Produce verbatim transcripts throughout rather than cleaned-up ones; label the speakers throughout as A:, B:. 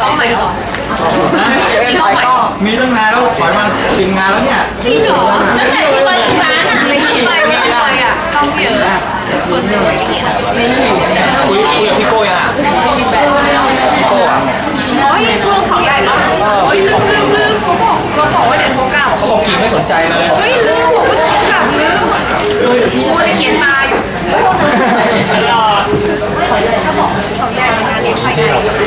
A: กล้องใหม่หรอมีกล้องใหม่
B: มีตั้งนานแล้วถอยมาสิงงานแล้วเนี่ย
A: จริงเหรอตั้งแต่ที่มาที่ร้านอ่ะไม่ไปไม่ไปอ่ะกล้องเยอะคนสวยนี่นะนี่
B: คุยคุยกับพี่โก้ยังอ่ะพี่โก้อ่ะ
A: อ๋อยังกล้องเขาใหญ่ปะโอ้ยลืมลืมลืมเขาบอกเราบอกว่าเดี๋ยวโทรกลับ
B: เขาบอกกิ่งไม่สนใจเลย
A: เฮ้ยลืมบอกว่าโทรกลับลืมมัวแต่เขียนตาอยู่รอเขาบอกเขาใหญ่เป็นงานเลี้ยงภายใน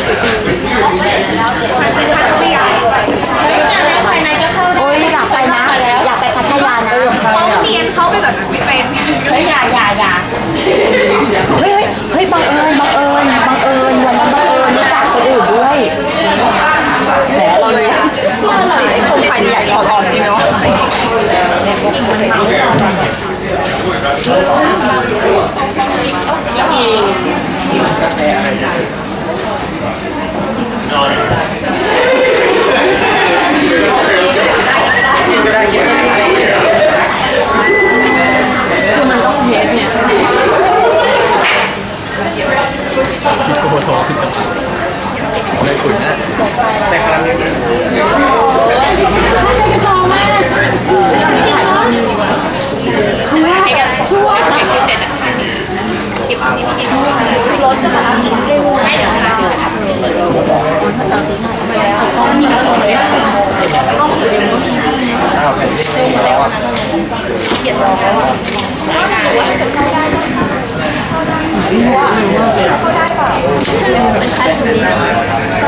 A: เซ็นทรัลพัทยางานเลี้ยงภายในก็เข้า
C: โอ้ยอยากไปนะอยากไปพัทยานะ
A: เขาเรียนเขาไปแบบไม่เป็น
C: เฮ้ยอย่าอย่าอย่าเฮ้ยเฮ้ยบังเอิญบังเอิญบังเอิญวันนั้นบังเอิญรู้จักคนอื่นด้วยแหมเราเลย
A: คนไทยใหญ่ถอดออกจริงเนาะคือมันต้องเทสเนี่ย
B: โอ้โหโถขึ้นจังเลยขุนนะใส่คาราเมล
A: พอมากช่วงคลิปเด็ดคลิปนี้คลิปรถจะมาอีกเส้นไม่เดี๋ยวค่ะเดี๋ยวค่ะต้องมีอารมณ์เลยต้องมีเรื่องที่อ้าวเป็นที่นี่แล้วอ่ะเขียนรอว่าว่าเขาได้ป่ะคือเป็นใครคนนี้ก็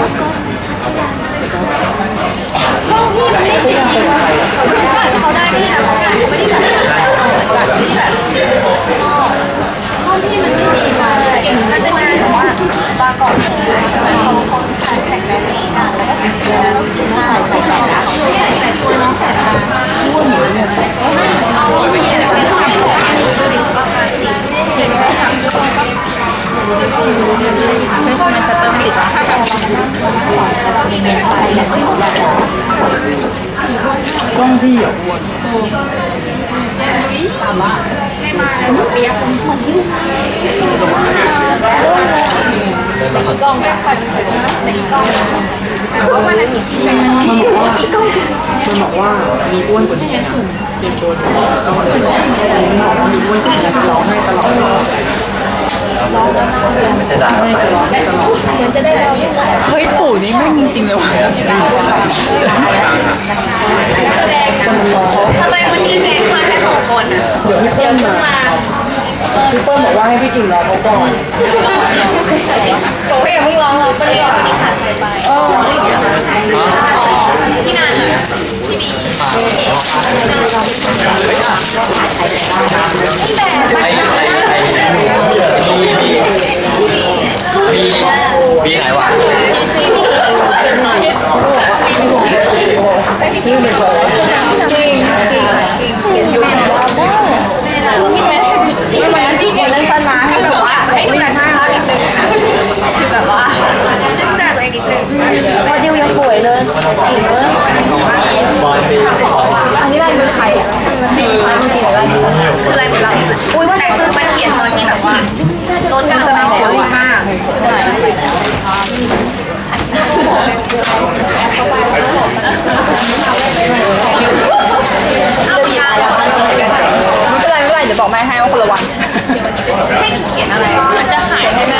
A: ก็ก็พี่ไม่ได้จริงๆก็อาจจะเขาได้ก็ได้นะเพราะงานเขาไม่ได้จัดจัดที่แบบห้องที่มันไม่ดีมาเก็บมันเป็นงานแต่ว่าบางกอกเนี่ยเขาเขาการแข่งแรงกันแล้วก็แข่งแล้วแล้วกินได้ใส่ใส่แล้วใส่ใส่ตัวน้องใส่มาพูดหนูเนี่ยเอาไม่ได้เลยคือที่บอกให้ดูดิประมาณสี่สี่ร้อยสามสิบไม่ทำไมชัตเตอร์ไม่ติดอ่ะ
B: กล้องพี่อ่ะอ้วน
A: ถามว่าให้มาเปียกเหมือนลูกตีกล้องแบบตีกล้องแต่ว่าวันอาทิตย์ที่ใช้มันบอกว่า
B: มันบอกว่ามีอ้วนกว่านี้นะเตรียมตัวต้องมาเลยมีอ้วนกว่านี้ร้องให้ตลอดไม่ใช่ด่าไป
A: มันจะได้เรา
C: เฮ้ยปู่นี่ไม่จริงๆเลยว่ะ
A: ทำไมวันนี้แกมาแค่สองคนอ่ะ
B: เดี๋ยวพี่เปิ้ลมาพี่เปิ้ลบอกว่าให้พี่กิ่งรอเขาก่อน
A: บอกว่าอย่าเพิ่งร้องเราไม่ได้ร้องที่ขาดไปเออพี่นานพี่บี
B: ไอ้ไอ้ไอ้บีบีบีบีไหนวะ
A: บีซีบีบีบีบีจริงจริงอยู่แล้วได้ไม่มาที่คนเล่นสั้นมาคือแบบว่าให้ดูแลสุขภาพนิดนึงคือแบบว่าช่วยดูแลตัวเองนิดนึง
C: พอดิวยังป่วยเลยอีกเลยอันนี้อะไรเป็นใครอ่ะคืออะไร
A: คืออะไรเหมือนเราอุ้ยว่าแต่คือมันเขียนตอนที่แบบว่าลดการน้ำแล้วมากเอายาว
C: ไม่เป็นไรไม่เป็นไรเดี๋ยวบอกแม่ให้ว่าคนละวัน
A: ให้เขียนอะไรมันจะหายให้แม่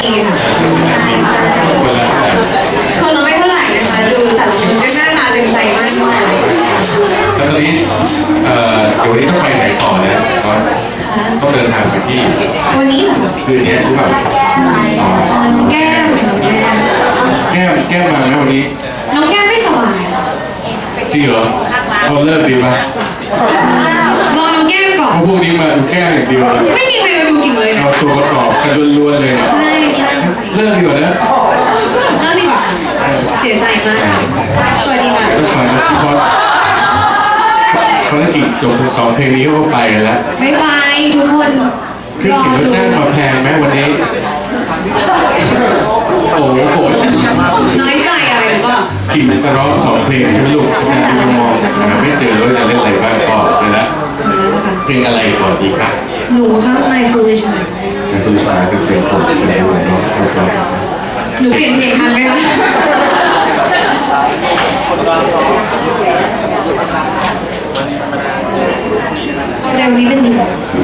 A: คนละไม่เท่าไหร่นะคะดูแต่ละคนก็น่ามาดึงใจมากมาย
D: แล้วตอนนี้เอ่อเดี๋ยววันนี้ต้องไปไหนต่อเนี่ยต้องเดินทางไปที่
A: วันนี้เหรอ
D: คืนนี้หรือเปล่า
A: แก้ม
D: แก้มแก้มมาไหมวันนี้
A: น้องแก้มไม่สบาย
D: จริงเหรอเราเลิกดีป่ะ
A: รอน้องแก้มก่อน
D: พวกนี้มาดูแก้มอย่างเดียวเลย
A: ไม่มีใครมาดูกิ่งเลย
D: เอาตัวประกอบกันล้วนๆเลย
A: ใช่ใช่
D: เลิกดีกว่านะ
A: เลิกดีกว่าเสียใจมากสวัสดีค่ะ
D: ต้องฟังนะพี่พอดภารกิจจบสองเพลงนี้ก็ไปแล้ว
A: บ๊ายบายทุกคน
D: คือเขียนรถจ้างมาแพงไหมวันนี้โอ้โห
A: น้อยใจอะไรหรือเปล่า
D: กิ่งจะร้องสองเพลงใช่ไหมลูกอาจารย์ดูมองไม่เจอว่าจะเล่นอะไรบ้างก็ไปแล้วเพลงอะไรก่อนดีครับ
A: หนูข้างในฟูลิช
D: ในฟูลิชเป็นเพลงผมใช่ไหมน้องครับ
A: หนูเปลี่ยนเพลงทันไหมคะ
C: เร็วนี้เป็น